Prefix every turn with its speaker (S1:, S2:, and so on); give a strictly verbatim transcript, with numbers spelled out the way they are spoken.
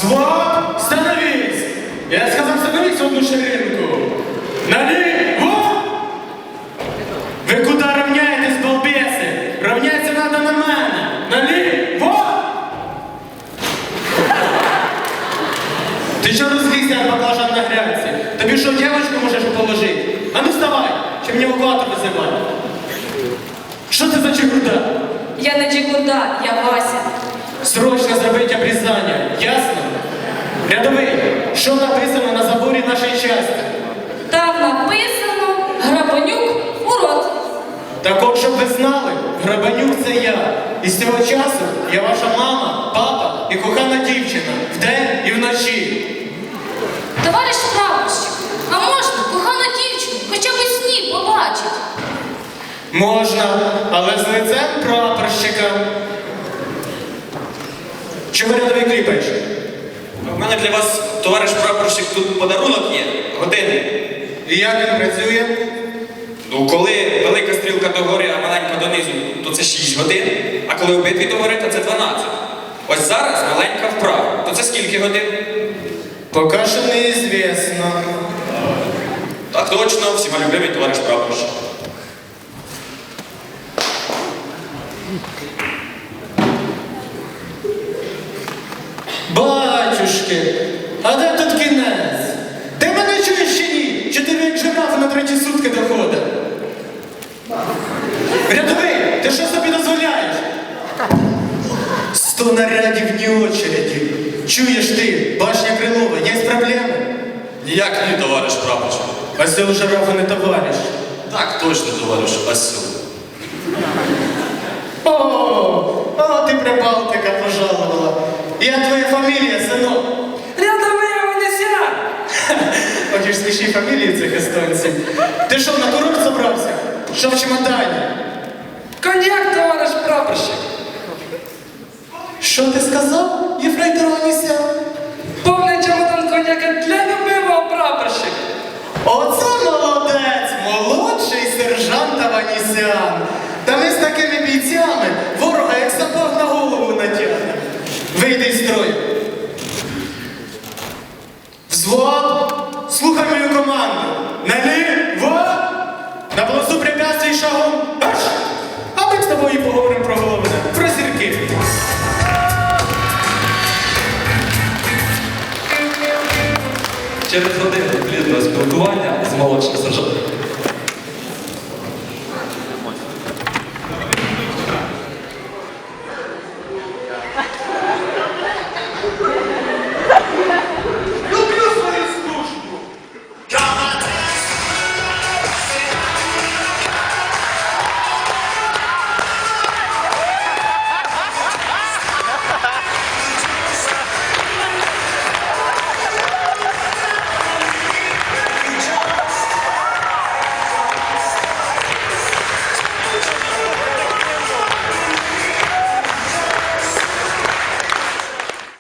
S1: Взвод, становись! Я сказал, становись в одну ширинку. Налево! Вы куда равняетесь, балбесы? Равняться надо на мене. Налево! Ты что разлизся, баклажан на грядці? Тобі що, девочку можеш положити? А ну вставай, чи мені евакуатор визивати? Що це за чехуда?
S2: Я не Джигурда, я Вася.
S1: Срочно зробіть обрізання, ясно? Рядовий, що написано на заборі нашої частини?
S2: Там написано Грабанюк урод.
S1: Так от, щоб ви знали, Грабанюк це я. І з цього часу я ваша мама, папа і кохана дівчина. Вдень і вночі.
S2: Товариш прапорщик, а можна кохану дівчину хоча б у сні побачить?
S1: Можна, але з лицем прапорщика. Чого рядовий кліпаєш?
S3: У мене для вас, товариш прапорщик, тут подарунок є, годинник.
S1: І як він працює?
S3: Ну, коли велика стрілка догори, а маленька донизу, то це шість годин, а коли обидві догори, то це дванадцять. Ось зараз маленька вправа, то це скільки годин?
S1: Поки що неізвісно.
S3: Так точно, всіма любимий товариш прапорщик.
S1: Батюшки, а де тут кінець? Ти мене чуєш чи ні? Чи ти як жирафа на треті сутки доходить? Рядовий, ти що собі дозволяєш? Сто нарядів ні очереді. Чуєш ти, башня Крилова, є проблеми?
S3: Ніяк ні, товариш прапорщик.
S1: Осел жирафа не товариш.
S3: Так точно, товариш Осел.
S1: О, о, ти Прибалтика пожаловала. Я твоя фамілія, синок.
S4: Рядовий Аванесян!
S1: Хочеш смішні фамілії цих естонців? Ти що, на курорт собрався? Що в чемодані?
S4: Коньяк, товариш прапорщик!
S1: Що ти сказав, єфрейтор Аванесян?
S4: Повний чемодан коньяка для любимого прапорщика!
S1: Оце молодець, молодший сержант Аванесян. Та ми з такими бійцями ворога як сапог на голову натягне. Вийди з строю. Взвод, слухай мою команду. Наліво! На полосу препятствий шагом. Марш! А ми з тобою поговоримо про головне, про зірки.
S5: Через годину плідного спілкування з молодшим сержантом